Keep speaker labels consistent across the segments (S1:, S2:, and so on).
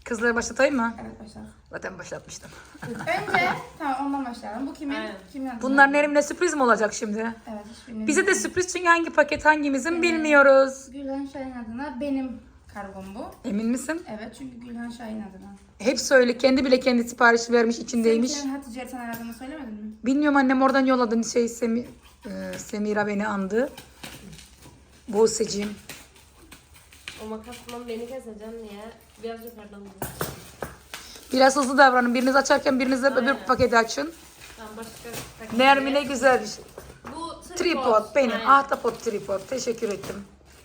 S1: Kızları başlatayım mı?
S2: Evet başla.
S1: Zaten başlatmıştım.
S2: Önce tamam ondan başlayalım. Bu kimin?
S3: Aynen.
S2: Kimin adı?
S1: Bunlar Nerimin'e sürpriz mi olacak şimdi?
S2: Evet hiç bilmiyorum.
S1: Bize de sürpriz çünkü hangi paket hangimizin bilmiyoruz.
S2: Gülhan Şahin adına benim kargom bu.
S1: Emin misin?
S2: Evet çünkü Gülhan Şahin adına.
S1: Hep söyle. Kendi bile kendi sipariş vermiş içindeymiş.
S2: Senin Hatice Ertan adını söylemedin mi?
S1: Bilmiyorum annem oradan yolladı. Semira beni andı. Buse'cim.
S3: O makasla beni keseceğim diye biraz yukarıdan vurayım.
S1: Biraz hızlı davranın. Biriniz açarken biriniz de öbür
S3: Aynen.
S1: paketi açın.
S3: Tamam başka
S1: Nermin'e güzel bir şey.
S3: Bu
S1: Tripod benim.
S3: Aynen.
S1: Ahtapot tripod. Teşekkür ettim.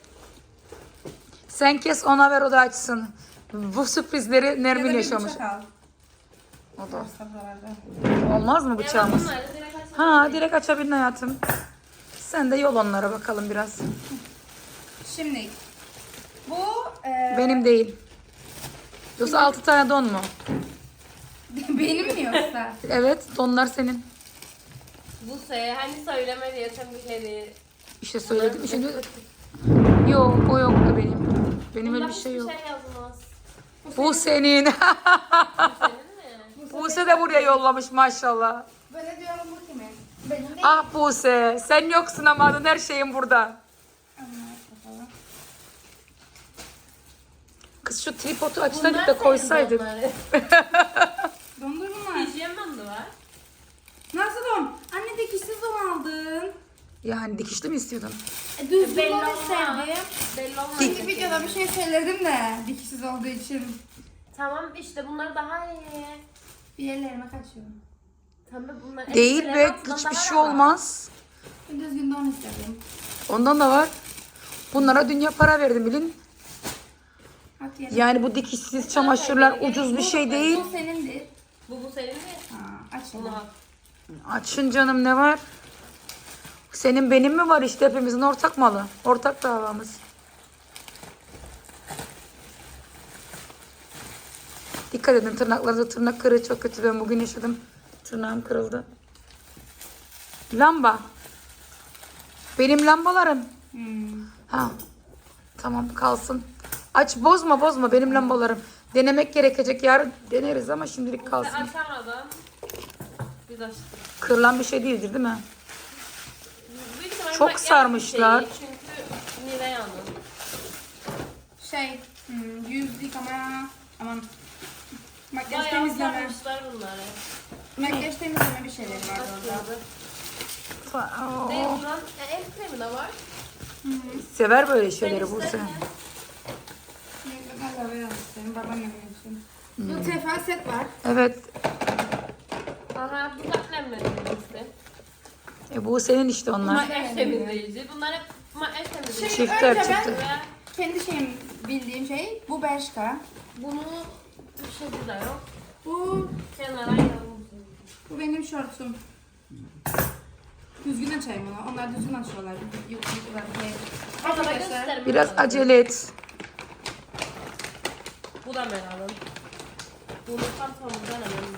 S1: Sen kes ona ver o da açsın. Bu sürprizleri Nermin
S2: Ya da bir
S1: yaşamış.
S2: bıçak al.
S1: O da.
S2: Varsa buralarda.
S1: Olmaz mı
S3: Ya
S1: bıçağımız?
S3: bunları direkt açalım.
S1: Ha direkt açabilin hayatım. Sen de yol onlara bakalım biraz.
S2: Şimdi bu
S1: Benim değil. Yoksa 6 tane don mu?
S2: benim mi yoksa?
S1: Evet donlar senin.
S3: Bu hani söyleme diye sen bir şey değil.
S1: İşte söyledim. Şimdi yok o yoktu benim. Benim öyle bir şey yok.
S3: Hiçbir şey yazmaz.
S1: Bu senin.
S3: Senin mi?
S1: Buse de buraya yollamış maşallah.
S2: Böyle diyorum bu kimin? Benim değil.
S1: Ah Buse sen yoksun ama adın her şeyin burada.
S2: Anlar bakalım.
S1: Kız şu tripodu açsaydık
S3: Bunlar
S1: da
S3: senin
S1: koysaydık.
S3: donları.
S2: Dondur bunlar.
S3: Hijyen bandı var.
S2: Nasıl don? Anne dikişsiz don aldın.
S1: Yani dikişli mi istiyordun?
S2: Düzgün
S3: Belli
S2: don
S3: olmaz.
S2: isterdim.
S3: Belli olmaz.
S2: Şimdi videoda bir şey söyledim de dikişsiz olduğu için.
S3: Tamam işte bunlar daha iyi.
S2: Bir yerlerime kaçıyor.
S3: Tamam bunlar
S1: Değil
S3: elbiselerin
S1: be
S3: altından
S1: hiçbir
S3: daha
S1: şey
S3: da var.
S1: olmaz.
S2: Ben düzgün don istedim.
S1: Ondan da var. Bunlara dünya para verdim bilin.
S2: At yerine.
S1: Yani bu dikişsiz çamaşırlar ucuz bir şey değil.
S2: Bu senindir.
S3: Bu senin mi?
S2: Ha, aç
S3: Bunu
S2: onu.
S3: al.
S1: Açın canım ne var? Senin benim mi var işte hepimizin ortak malı. Ortak davamız. Dikkat edin tırnaklarınıza tırnak kırığı çok kötü. Ben bugün yaşadım. Tırnağım kırıldı. Lamba. Benim lambalarım. Ha. Tamam kalsın. Aç bozma benim lambalarım. Denemek gerekecek. Yarın deneriz ama şimdilik kalsın.
S3: Açamadan biz açtık.
S1: Kırılan bir şey değildir değil mi?
S3: Büyük ihtimalle
S1: Çok
S3: makyaj
S1: sarmışlar.
S3: bir şey, çünkü Nilay Hanım.
S2: Yüz yıkama, aman makyaj
S3: Bayağı
S2: temizleme.
S3: sarmışlar bunları.
S2: Makyaj temizleme bir şeyleri var orada.
S3: Açıldı. Deodorant, el kremi de var.
S1: Sever böyle şeyleri Buse.
S2: Ben de biraz isterim, babaannem için. Bu tefa set var.
S1: Evet.
S3: Aha bu da nemledim işte.
S1: Bu senin işte onlar.
S3: Makyaj temizleyici. Bunlar hep makyaj temizleyici.
S1: Çiftler
S2: önce ben-
S1: çıktı.
S3: Ve
S2: Kendi şeyim, bildiğim şey bu Bershka.
S3: bunu Türkçe'de de yok.
S2: Bu
S3: Kenara yazmışım.
S2: bu benim şortum. Düzgün açayım onu. Onlar düzgün açıyorlar. YouTube'da
S3: Arkadaşlar.
S2: Arkadaşlar.
S1: Biraz acele et.
S3: Bu da Meral'ın. Bunu pantolonundan alalım.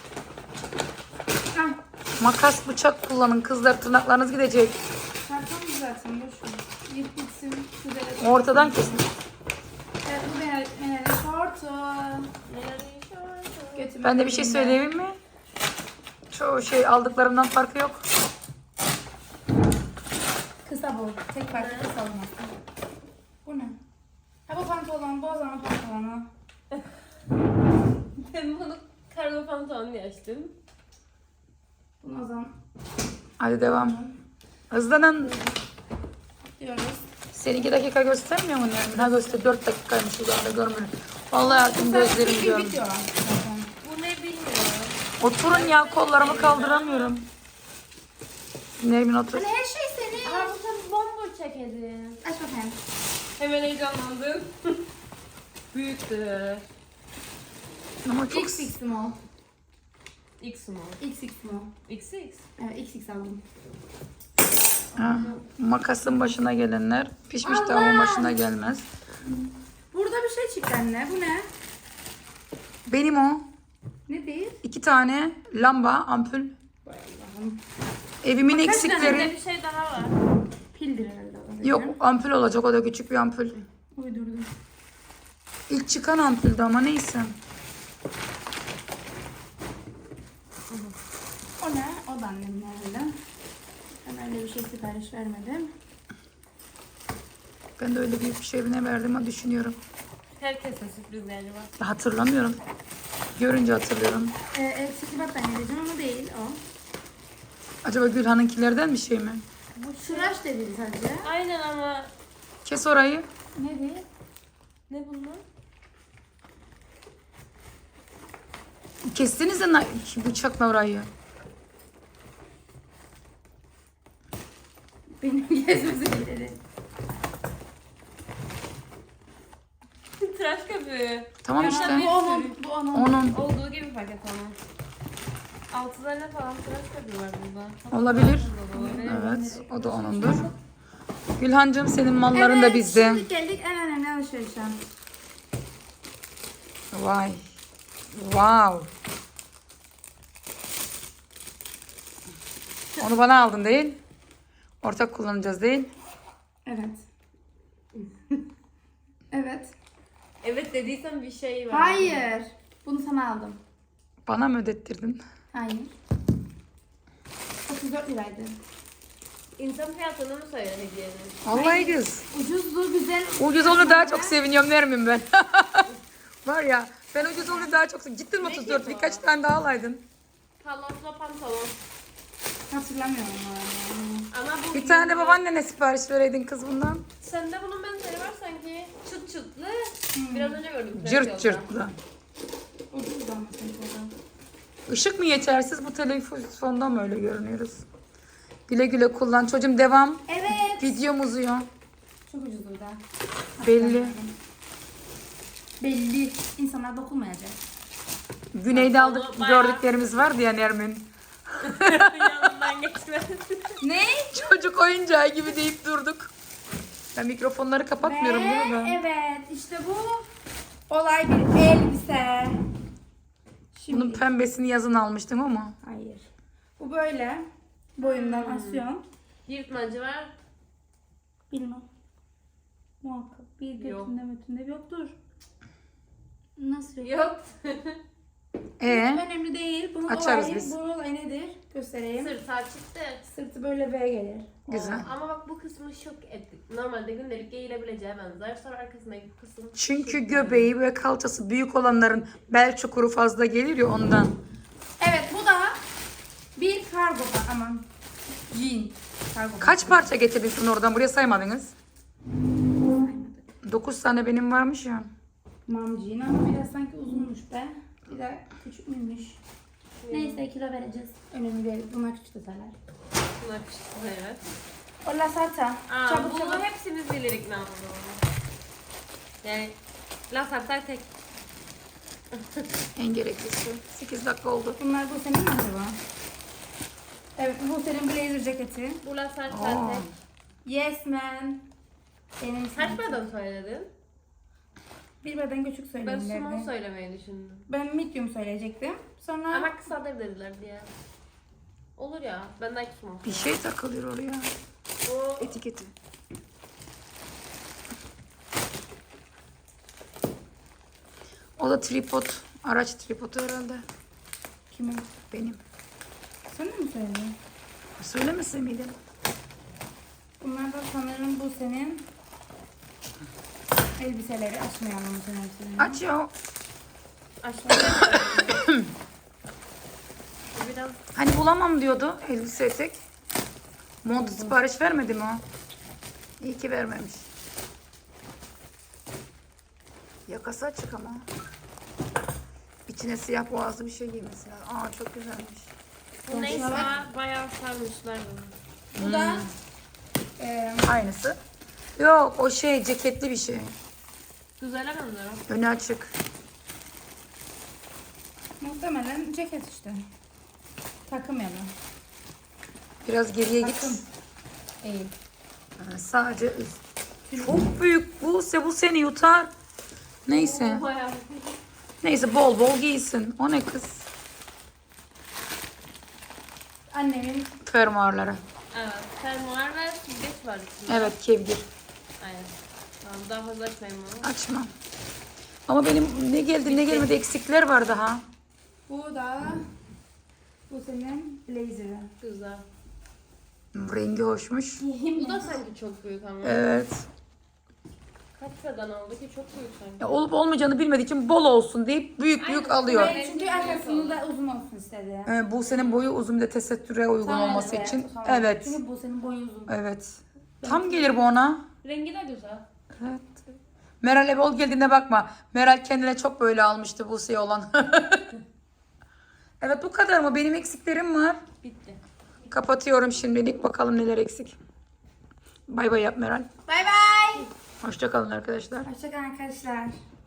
S2: Ah,
S1: Makas bıçak kullanın kızlar tırnaklarınız gidecek.
S2: karton zaten boş ver. Git gitsin. Güzel.
S1: Ortadan kesin.
S2: Evet, bu benim şortum.
S3: Nereye şöyle.
S2: Götüme
S1: Ben de bir şey
S2: koyayım
S1: söyleyeyim mi? Çoğu şey aldıklarımdan farkı yok.
S2: Kısa bu. Tek farkı kısa olması. Bu ne? Ha bu pantolon. Bu o zaman pantolonu.
S3: Ben bunu kargo pantolon diye açtım.
S2: Bunu o zaman
S1: Hadi devam. Hızlanın.
S2: diyoruz.
S1: Seni 2 dakika göstermiyor mu yani? Ha göster 4 dakikaymış uzakta görmüyorum. Vallahi hayatım gözlerim
S2: Bir
S1: görmüyor.
S2: video var zaten.
S3: Bu ne bilmiyorum.
S1: Oturun ya kollarımı kaldıramıyorum. Nermin otur.
S2: Hani her şey senin.
S3: Aha bu tabi bomboş ceketi.
S2: Aç bakayım.
S3: Hemen heyecanlandım. Büyüktü.
S1: Ama çok
S2: XX small.
S3: X small.
S2: XX small.
S3: XX.
S2: Evet XX aldım.
S1: ha, makasın başına gelenler pişmiş tavuğun başına gelmez.
S2: Burada bir şey çıktı anne. Bu ne?
S1: Benim o.
S2: Ne değil?
S1: 2 tane lamba, ampul.
S2: Vay Allah'ım.
S1: Evimin
S3: Bende
S1: eksikleri.
S3: bir şey daha var.
S2: Pildir herhalde. o da.
S1: Yok ampul olacak o da küçük bir ampul.
S2: Uydurdum.
S1: İlk çıkan ampuldü ama neyse.
S2: O ne? O da annemin herhalde. Ben öyle bir şey sipariş vermedim.
S1: Ben de öyle büyük bir şey ne verdim ama düşünüyorum.
S3: Herkese sürprizleri var.
S1: Hatırlamıyorum. Görünce hatırlıyorum.
S2: Eksikli battaniye diyeceğim ama değil o.
S1: Acaba Gülhan'ınkilerden bir şey mi?
S2: Bu tıraş dedi sadece.
S3: Aynen ama
S1: Kes orayı.
S2: Ne değil?
S3: ne bunlar?
S1: Kestiniz de bıçakla orayı.
S2: Benim gezmesi dedi.
S3: Tıraş köpüğü.
S1: Tamam
S3: Ya
S1: işte.
S3: tabii.
S2: Bu onun. Bu onun.
S1: Onun
S3: Olduğu gibi paket onun. 6 tane falan tıraş köpüğü var burada.
S1: olabilir.
S3: Olabilir.
S1: Evet, o da onundur. Gülhancığım senin malların da bizde.
S2: Şimdi geldik en önemli alışverişe.
S1: Vay. Wow. Onu bana aldın değil? Ortak kullanacağız değil?
S2: Evet. Evet.
S3: Evet dediysen bir şey var.
S2: Hayır. Bunu sana aldım.
S1: Bana mı ödettirdin?
S2: Hayır. 34 liraydı.
S3: İnsan fiyatını mı söyle hediyenin?
S1: Vallahi kız.
S2: Ucuzdu, güzel.
S1: Ucuz olunca daha çok seviniyorum der miyim ben? Var ya ben ucuz olunca daha çok Gittin mi 34
S3: ki bu?
S1: birkaç tane daha alaydın.
S3: Palazzo pantolon.
S2: Hatırlamıyorum ama.
S3: Ama bu
S1: Bir tane de babaannene sipariş vereydin kız bundan.
S3: Sende bunun benzeri var sanki. Çıt çıtlı. Biraz önce gördüm.
S1: Cırt cırtlı.
S2: Ucuzdu ama sanki o da.
S1: Işık mı yetersiz bu telefonda mı öyle görünüyoruz? Güle güle kullan. Çocuğum devam.
S2: Evet.
S1: Videom uzuyor.
S2: Çok ucuzdu da.
S1: Belli.
S2: Belli. İnsanlar dokunmayacak.
S1: Güneyde aldık
S3: Onu bayağı-
S1: gördüklerimiz vardı ya Nermin.
S3: Yanından geçmez.
S2: Ne?
S1: Çocuk oyuncağı gibi deyip durduk. Ben mikrofonları kapatmıyorum değil mi ben?
S2: Evet. İşte bu olay bir elbise. Şimdi.
S1: Bunun pembesini yazın almıştım ama.
S2: Hayır. Bu böyle. Boyundan asıyorsun.
S3: Yırtmacı var.
S2: Bilmem. Muhakkak. Bir
S3: Yok.
S2: götünde mötünde yoktur. Nasıl yok?
S3: Yok.
S2: Önemli değil. Bunun
S1: Açarız
S2: olayı,
S1: biz.
S2: bunun olayı nedir? Göstereyim.
S3: Sırt açıktı.
S2: Sırtı böyle V gelir.
S1: Güzel.
S3: Ama bak bu kısmı şok ettik. Normalde gündelik giyilebileceği benzer. Sonra arkasındaki kısım.
S1: Çünkü
S3: şok
S1: göbeği ve kalçası büyük olanların bel çukuru fazla gelir ya ondan.
S2: Evet bu da bir kargo aman jean kargo.
S1: Kaç parça getirdin oradan buraya saymadınız? 9 tane benim varmış ya.
S2: Mam jean ama biraz sanki uzunmuş be. Bir de küçük müymüş? Neyse kilo vereceğiz. Önemli değil. Bunlar küçük detaylar.
S3: Bunlar küçük evet.
S2: O lasata.
S3: Aa,
S2: Çabuk
S3: bunu
S2: çabuk.
S3: hepsimiz bilirik ne olduğunu. Yani laf hatta tek.
S1: En gereklisi. 8 dakika oldu.
S2: Bunlar bu senin mi acaba? Evet bu senin blazer ceketi.
S3: Bu laf
S1: Aa.
S3: hatta tek.
S2: Yes man. Benim
S3: Kaç beden söyledin?
S2: bir beden küçük
S3: Ben
S2: söyleyeyim
S3: small
S2: derdi.
S3: söylemeyi düşündüm.
S2: Ben medium söyleyecektim. Sonra
S3: Ama kısadır dediler diye. Olur ya. Ben de small.
S1: Bir şey takılıyor oraya.
S3: Bu
S1: Etiketi. O da tripod. Araç tripodu herhalde.
S2: kimin?
S1: Benim.
S2: Sen de mi söyledin?
S1: Söylemese miydim?
S2: Bunlar da sanırım bu senin elbiseleri açmayalım bu senin elbiselerini.
S1: Aç ya.
S3: aşağıya. Bu biraz
S1: Hani bulamam diyordu elbise etek. Mont sipariş vermedi mi o? İyi ki vermemiş. Yakası açık ama. İçine siyah boğazlı bir şey giymesi lazım. Aa çok güzelmiş.
S3: bu neyse bayağı sarmışlar bunu.
S2: Bu da
S1: Aynısı. Yok o şey ceketli bir şey.
S3: Güzel benziyor.
S1: Önü açık.
S2: muhtemelen ceket işte. Takım ya da.
S1: Biraz geriye git.
S2: Takım. Değil.
S1: Ha, sadece üst. Çok büyük bu. Bu seni yutar. Neyse.
S3: Bayağı.
S1: Neyse bol bol giysin. O ne kız?
S2: Annemin
S1: Fermuarları.
S3: Evet. Fermuar ve süzgeç var içinde.
S1: Evet kevgir.
S3: Aynen. Tamam daha fazla açmayayım bunu.
S1: Açma. Ama benim ne geldi ne gelmedi eksikler var daha.
S2: Bu senin blazer'ı.
S3: Güzel.
S1: Rengi hoşmuş.
S3: Bu da sanki çok büyük ama.
S1: Evet.
S3: Kaç beden aldı ki çok büyük sanki.
S1: Ya olup olmayacağını bilmediği için bol olsun deyip büyük büyük alıyor.
S2: Evet, çünkü arkasında da uzun olsun istedi.
S1: Bu senin boyu uzun bir de tesettüre uygun
S2: Tamam,
S1: olması
S2: evet,
S1: için.
S2: tamam.
S1: Evet.
S2: Çünkü bu senin boyun uzun.
S1: Evet. Tam gelir bu ona.
S3: Rengi de güzel.
S1: Evet. Meral'e bol geldiğine bakma. Meral kendine çok böyle almıştı Buse'ye olan. Evet bu kadar mı? Benim eksiklerim var.
S3: Bitti.
S1: Kapatıyorum şimdilik. Bakalım neler eksik. Bay bay yap Meral.
S2: Bay bay.
S1: Hoşça kalın arkadaşlar.
S2: Hoşçakalın arkadaşlar.